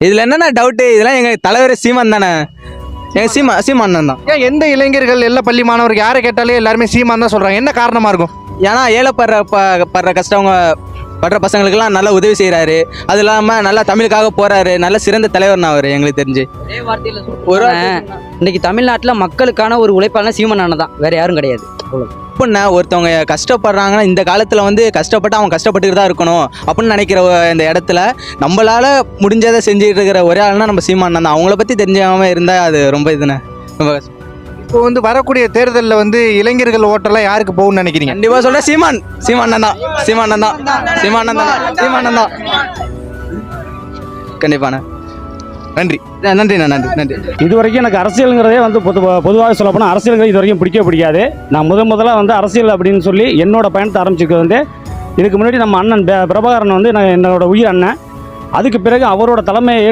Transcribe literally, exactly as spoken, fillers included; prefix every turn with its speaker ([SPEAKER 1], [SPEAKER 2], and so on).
[SPEAKER 1] இதில் என்னென்ன டவுட்டு, இதெல்லாம் எங்கள் தலைவர் சீமான் தானே, எங்கள் சீமா சீமான் தான்.
[SPEAKER 2] ஏன் எந்த இளைஞர்கள் எல்லா பள்ளி மாணவர்கள் யாரை கேட்டாலே எல்லாருமே சீமான் தான் சொல்கிறாங்க, என்ன காரணமாக இருக்கும்?
[SPEAKER 1] ஏன்னா ஏழைப்படுற ப படுற கஷ்டவங்க படுற பசங்களுக்கெல்லாம் நல்லா உதவி செய்கிறாரு. அது இல்லாமல் நல்லா தமிழுக்காக போகிறாரு. நல்ல சிறந்த தலைவர்னா அவர் எங்களுக்கு தெரிஞ்சு.
[SPEAKER 3] ஒரு இன்னைக்கு தமிழ்நாட்டில் மக்களுக்கான ஒரு உழைப்பாளனா சீமான் அண்ணன் தான், வேற யாரும் கிடையாது.
[SPEAKER 1] அப்படின்னா ஒருத்தவங்க கஷ்டப்படுறாங்கன்னா இந்த காலத்தில் வந்து கஷ்டப்பட்டு அவங்க கஷ்டப்பட்டுக்கிட்டு தான் இருக்கணும் அப்படின்னு நினைக்கிற இந்த இடத்துல நம்மளால் முடிஞ்சதை செஞ்சுட்டு இருக்கிற ஒரே ஆள்னா நம்ம சீமான் தான். அவங்கள பற்றி தெரிஞ்சாமல் இருந்தால் அது ரொம்ப இதுண்ணே, ரொம்ப கஷ்டம்.
[SPEAKER 2] இப்போ வந்து வரக்கூடிய தேர்தலில் வந்து இளைஞர்கள் ஓட்டெல்லாம் யாருக்கு போகும்னு நினைக்கிறீங்க?
[SPEAKER 1] கண்டிப்பாக சொல்ல சீமான் சீமான் தான் சீமான் தான் சீமான் தான் சீமான் தான் கண்டிப்பாண்ணே. நன்றி நன்றிண்ணா நன்றி நன்றி.
[SPEAKER 4] இது வரைக்கும் எனக்கு அரசியலுங்கிறதே வந்து பொது பொதுவாக சொல்ல போனால் அரசியலுங்கிறது இது வரைக்கும் பிடிக்க பிடிக்காது. நான் முத முதல்ல வந்து அரசியல் அப்படின்னு சொல்லி என்னோட பயணத்தை ஆரம்பிச்சிருக்கிறது வந்து இதுக்கு முன்னாடி நம்ம அண்ணன் பிரபாகரன் வந்து நான் என்னோட உயிர் அண்ணன். அதுக்கு பிறகு அவரோட தலைமையை